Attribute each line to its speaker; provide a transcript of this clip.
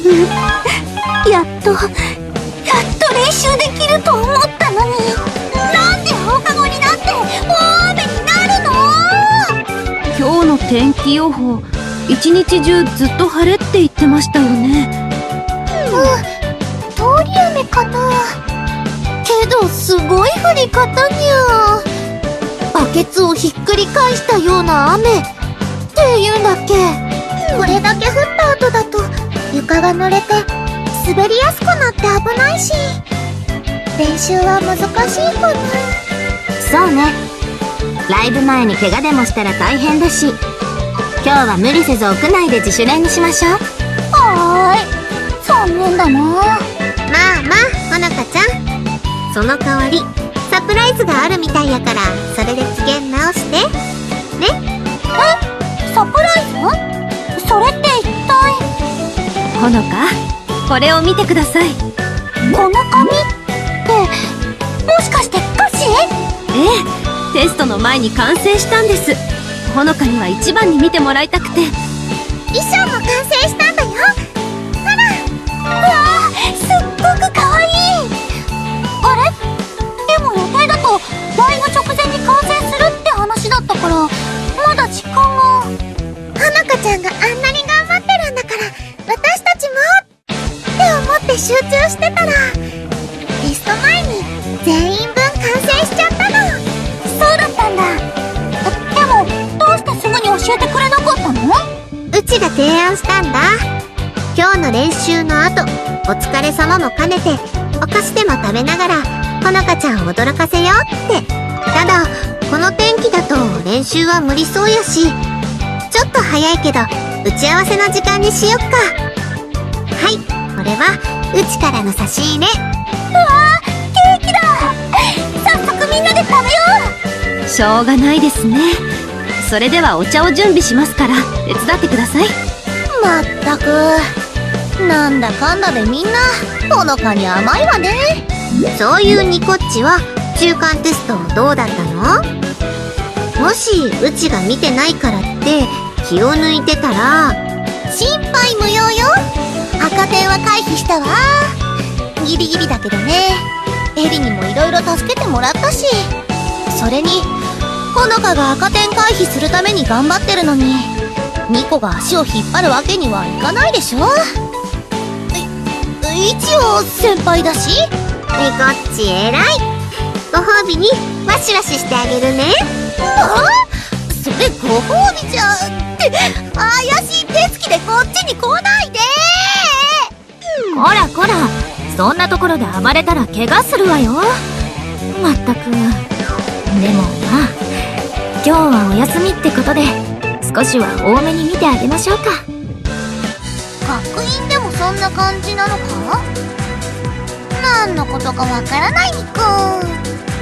Speaker 1: やっと練習できると思ったのに、なんで放課後になって大雨になるの？
Speaker 2: 今日の天気予報、一日中ずっと晴れって言ってましたよね。
Speaker 1: 通り雨かな。けどすごい降り方にゃ。バケツをひっくり返したような雨っていうんだっけ。これだけ降った後だと床が濡れて滑りやすくなって危ないし、練習は難しいかな。
Speaker 3: そうね。ライブ前に怪我でもしたら大変だし、今日は無理せず屋内で自主練にしましょう。
Speaker 1: はーい。残念だな。
Speaker 3: まあまあ、ほのかちゃん。その代わり、サプライズがあるみたいやから、それで機嫌直して。ね？
Speaker 1: サプライズ？それって一体？
Speaker 2: ほのか、これを見てください。
Speaker 1: この紙って、もしかして歌詞？
Speaker 2: ええ、テストの前に完成したんです。ほのかには一番に見てもらいたくて。
Speaker 1: 衣装も完成したんだよ。ほら。うわー、すっごくかわいい。あれ？でも予定だとライブ直前に完成するって話だったから、まだ時間が。ほのかちゃんがあんなに頑張ってるんだから、私たちもって思って集中してたら、テスト前に全員分完成しちゃったの。そうだったんだ。でもどうしてすぐに教えてくれなかったの？
Speaker 3: うちが提案したんだ。今日の練習の後、お疲れ様も兼ねて、お菓子でも食べながら、ほのかちゃんを驚かせようって。ただ、この天気だと練習は無理そうやし、ちょっと早いけど、打ち合わせの時間にしよっか。はい、これは、うちからの差し入れ。
Speaker 1: うわー、ケーキだ。早速みんなで食べよう。
Speaker 2: しょうがないですね。それではお茶を準備しますから、手伝ってください。
Speaker 1: まったく、なんだかんだでみんなほのかに甘いわね。
Speaker 3: そういうニコッチは中間テストどうだったの？もしうちが見てないからって気を抜いてたら、
Speaker 1: 心配無用よ。赤点は回避したわ。ギリギリだけどね。エリにもいろいろ助けてもらったし、それにほのかが赤点回避するために頑張ってるのに、ニコが足を引っ張るわけにはいかないでしょ。一応先輩だし。
Speaker 3: ニコッチ偉い。ご褒美にワシワシしてあげるね。
Speaker 1: それご褒美じゃって怪しい手つきでこっちに来ないで。
Speaker 2: こらこら、そんなところで暴れたら怪我するわよ。まったく。でもまあ、今日はお休みってことで、少しは多めに見てあげましょうか。
Speaker 1: 学院でもそんな感じなのか？何のことかわからないニコ。